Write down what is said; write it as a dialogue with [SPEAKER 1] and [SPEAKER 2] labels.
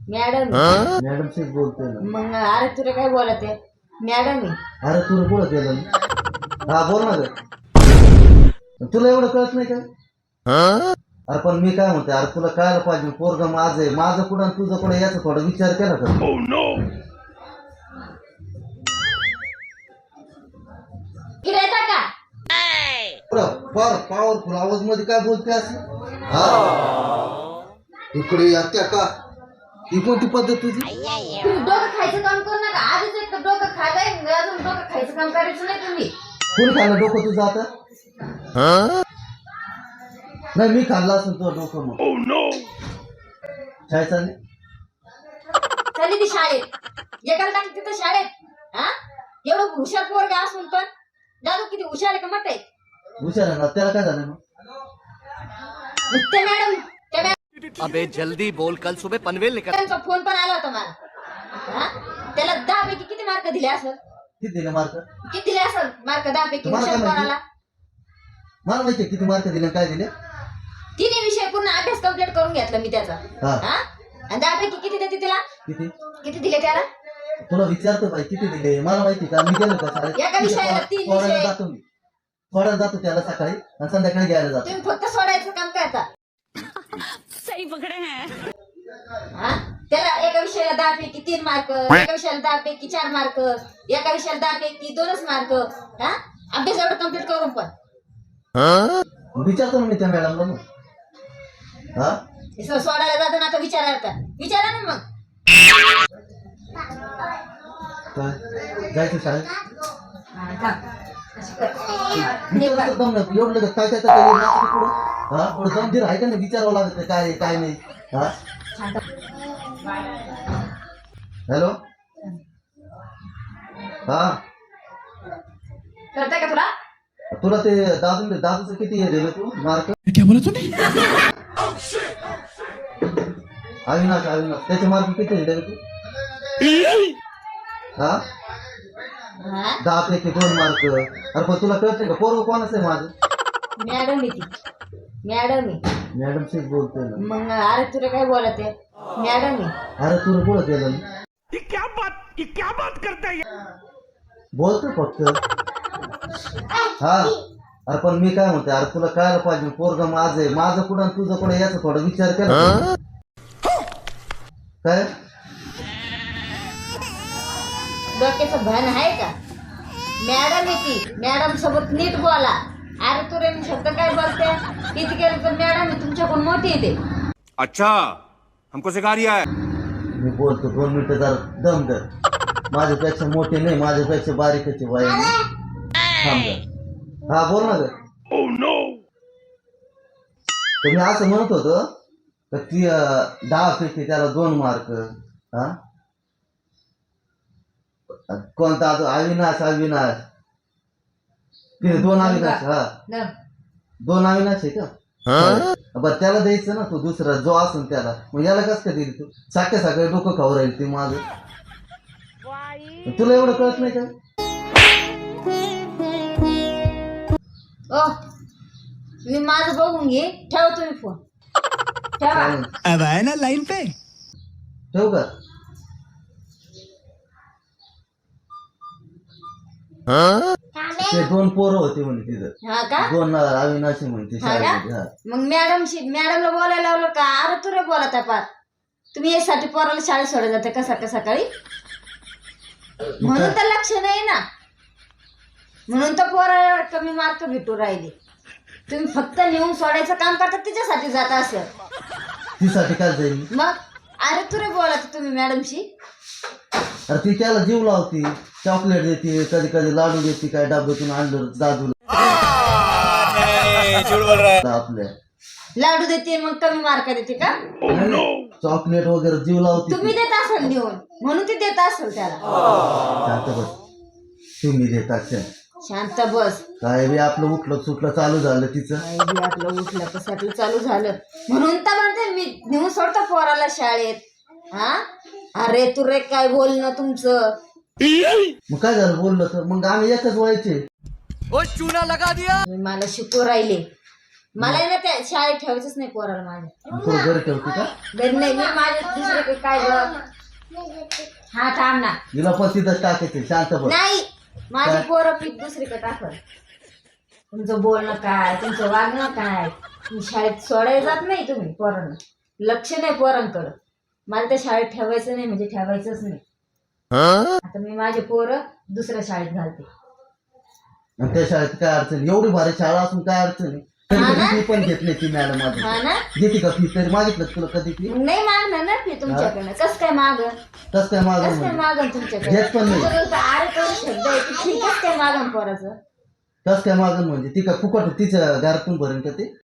[SPEAKER 1] Madam
[SPEAKER 2] madam से बोलतोय ना.
[SPEAKER 1] मग अरे तुला काय बोलत आहे मॅडम आहे.
[SPEAKER 2] अरे तुला कुठं केलं? हा बोल ना ग. तुला एवढं कळत नाही का? अरे पण मी काय म्हणते, अरे तुला कळायला पाहिजे पोरग माझं आहे. माझं कुठं आणि तुझं कुठं याचा थोडा विचार केला का?
[SPEAKER 1] इकडे येता का?
[SPEAKER 2] पॉवरफुल आवाज मध्ये काय बोलते असं? हा इकडे येत्या का? ही कोणती पद्धत तुझी?
[SPEAKER 1] तुम्ही डोकं खायचं काम करू नका. आधीच एक तर डोकं खाल्लंय, अजून डोकं खायचं काम करायचं नाही तुम्ही.
[SPEAKER 2] कोणी खाल्लं डोकं तुझं आता? नाही मी खाल्ला असेल तुझं डोकं मग. काय चालले?
[SPEAKER 1] चालली ती शाळेत. एकाला टाकली तिथं शाळेत. हा एवढं हुशार पोरगा असून पण दादू किती हुशार आहे का म्हटलंय.
[SPEAKER 2] हुशार आहे ना, त्याला काय झालं मग?
[SPEAKER 1] ते मॅडम
[SPEAKER 3] अबे जल्दी बोल, कल सुबह पनवेल निकल।
[SPEAKER 1] त्यांचा फोन पण आला होता मला. हा त्याला 10 पैकी किती मार्क दिले असेल?
[SPEAKER 2] किती दिले मार्क?
[SPEAKER 1] किती दिले असेल मार्क? 10 पैकी
[SPEAKER 2] तुम्हाला
[SPEAKER 1] हुशार
[SPEAKER 2] काय
[SPEAKER 1] कोणाला?
[SPEAKER 2] मला माहिती किती मार्क दिले काय दिले.
[SPEAKER 1] तिन्ही विषय पूर्ण अभ्यास कंप्लीट करून घेतला मी त्याचा.
[SPEAKER 2] हा.
[SPEAKER 1] हा आणि 10 पैकी किती देते तिला?
[SPEAKER 2] किती
[SPEAKER 1] किती दिले त्याला?
[SPEAKER 2] तुला विचारतो बाई किती दिले मला माहिती का? मी गेलो का शाळेत?
[SPEAKER 1] एका विषयाला 3
[SPEAKER 2] सोडायला
[SPEAKER 1] विषय.
[SPEAKER 2] जातो मी. सोडायला जातो त्याला सकाळी आणि संध्याकाळी घ्यायला जातो.
[SPEAKER 1] तुम्ही फक्त सोडायचं काम करता.
[SPEAKER 4] सही पकड़े हैं।
[SPEAKER 1] हा त्याला एका विषयाला 10 पैकी 3 मार्क, एका विषयाला 10 पैकी 4 मार्क, एका विषयाला 10 पैकी 2च मार्क. हा अभ्यास एवढं कंप्लीट करून पण
[SPEAKER 2] विचारतो ना मी त्या मॅडमला मग. हा
[SPEAKER 1] सोडायला जाताना आता विचारा ना मग.
[SPEAKER 2] काय जायचं शाळेत?
[SPEAKER 1] निघ बा.
[SPEAKER 2] एकदम ना, एवढं लगेच काय काय काय नाचतं पुढं. हा पुढं गंभीर आहे का नाही विचारावं लागत काय आहे, काय नाही. हा हॅलो हा
[SPEAKER 1] कळतंय का तुला?
[SPEAKER 2] तुला ते दादूचं किती हे दिलं तू मार्क?
[SPEAKER 5] क्या बोला तूने?
[SPEAKER 2] अविनाश त्याचे मार्क किती दिले तू? हा
[SPEAKER 1] हा
[SPEAKER 2] 10 पैकी 2 मार्क. अरे पण तुला कळत नाही का पोरग कोणाचं आहे माझं?
[SPEAKER 1] मॅडम आहे ती. मॅडम आहे.
[SPEAKER 2] मॅडम से बोलतोय ना.
[SPEAKER 1] मग अरे तुला काय बोलत आहे मॅडम आहे.
[SPEAKER 2] अरे तुला कुठं केलं?
[SPEAKER 5] ये क्या बात करता है?
[SPEAKER 2] बोलतो फक्त. हा अरे पण मी काय म्हणते, अरे तुला कळायला पाहिजे पोरग माझं आहे. माझं कुठं आणि तुझं कुठं याचा थोडा विचार केला का? काय
[SPEAKER 1] डोक्याचं भान आहे का? मॅडम आहे ती. मॅडम सोबत नीट बोला. अरे तुरे मी शब्द काय बोलते किती केलं तर मॅडम आहे तुमच्याकडून मोठी येते.
[SPEAKER 3] अच्छा हमको सिखा रिया है।
[SPEAKER 2] मी बोलतो 2 मिनिटं जरा दम धर. माझ्यापेक्षा मोठे नाही, माझ्यापेक्षा बारीकचे बाई. हा बोल ना ग. तर मी असं म्हणत होतो तर ती 10 पैकी त्याला 2 मार्क. हा कोणता अविनाश ते 2 अविनाश. हा 2 अविनाश आहे का? बरं त्याला द्यायचं ना तू दुसरा जो असेल त्याला. मग याला कसं काय दिली तू? सकाळी डोकं खाऊ राहील ते माझं. तुला एवढं कळत नाही का?
[SPEAKER 1] ओ मी माझं बघून घे. ठेवा तुम्ही फोन. ठेवा.
[SPEAKER 2] चालेल.
[SPEAKER 5] अब आए ना लाइन पे।
[SPEAKER 2] ठेवू का? ते 2 पोरं होते म्हणे तिथं.
[SPEAKER 1] हा का?
[SPEAKER 2] 2 अविनाशी म्हणते
[SPEAKER 1] हा का?
[SPEAKER 2] शाळेमध्ये. हा
[SPEAKER 1] मग मॅडमला बोलायला लावलं का? अरे तुरे बोलत आहे पार. तुम्ही यासाठी पोराला शाळेत सोडत जाते का सकाळी? म्हणून तर लक्ष नाही ना. म्हणून तर पोराला कमी मार्क भेटू राहिले. तुम्ही फक्त नेऊन सोडायचं काम करता तिच्यासाठी जात असेल.
[SPEAKER 2] तिसाठी काय जाईल?
[SPEAKER 1] मग अरे तुरे बोलत तुम्ही मॅडमशी.
[SPEAKER 2] अरे ती त्याला जीव लावती, चॉकलेट देते, कधी कधी लाडू देते, काय डब्यातून आणलं दादूला आपल्या.
[SPEAKER 1] लाडू देते मग कमी मार्क देते का?
[SPEAKER 2] चॉकलेट वगैरे जीव लावती.
[SPEAKER 1] तुम्ही देत असाल नेऊन म्हणून ती देत असेल त्याला.
[SPEAKER 2] शांत बस. तुम्ही देतात
[SPEAKER 1] शांत बस.
[SPEAKER 2] काय बी आपलं उठलं सुटलं चालू झालं तिचं.
[SPEAKER 1] काही बी आपलं उठलं कशातलं चालू झालं म्हणून तर म्हणते मी नेऊन सोडतो पोराला शाळेत. हा अरे तुरे काय बोलणं तुमचं.
[SPEAKER 2] मग काय झालं बोललं तर मग आम्ही एकच व्हायचे.
[SPEAKER 3] ओ चूना लगा दिया।
[SPEAKER 1] तुम्ही मला शिकू राहिले. मला आहे ना त्या शाळेत ठेवायचंच नाही पोराला माझ्या.
[SPEAKER 2] पुढे घरी ठेवते का?
[SPEAKER 1] घरी नाही, मी माझ्या दुसरे काय ग. हा थांब ना.
[SPEAKER 2] हिला पण तिथं टाकायचे शांत बस.
[SPEAKER 1] नाही, माझी पोरं पीक दुसरीकडे टाकल. तुमचं बोलणं काय, तुमचं वागणं काय, शाळेत सोडायला जात नाही तुम्ही पोरांना, लक्ष नाही पोरांकडं. मला त्या शाळेत ठेवायचं नाही म्हणजे ठेवायचंच नाही. आता मी माझे पोरं दुसऱ्या शाळेत घालते.
[SPEAKER 2] आणि त्या शाळेत काय अडचण, एवढी भारी शाळा असून काय अडचण आहे? कधी कधी फी पण घेत नाही ती मॅडम माझी.
[SPEAKER 1] हा ना,
[SPEAKER 2] घेते का फी? तरी मागितलं का तुला कधी फी?
[SPEAKER 1] नाही मागणार ना मी तुमच्याकडनं. कसं काय मागं,
[SPEAKER 2] तस काय
[SPEAKER 1] कसं
[SPEAKER 2] मागून
[SPEAKER 1] काय मागन तुमच्याकडे?
[SPEAKER 2] घेत पण नाही.
[SPEAKER 1] तुमच्याकडे तर आरे पण शब्द आहे की ठीक, कसं काय मागन पोराचं?
[SPEAKER 2] कस काय मागून म्हणजे ती काय फुकट तिच्या घरातून भरेन का ते?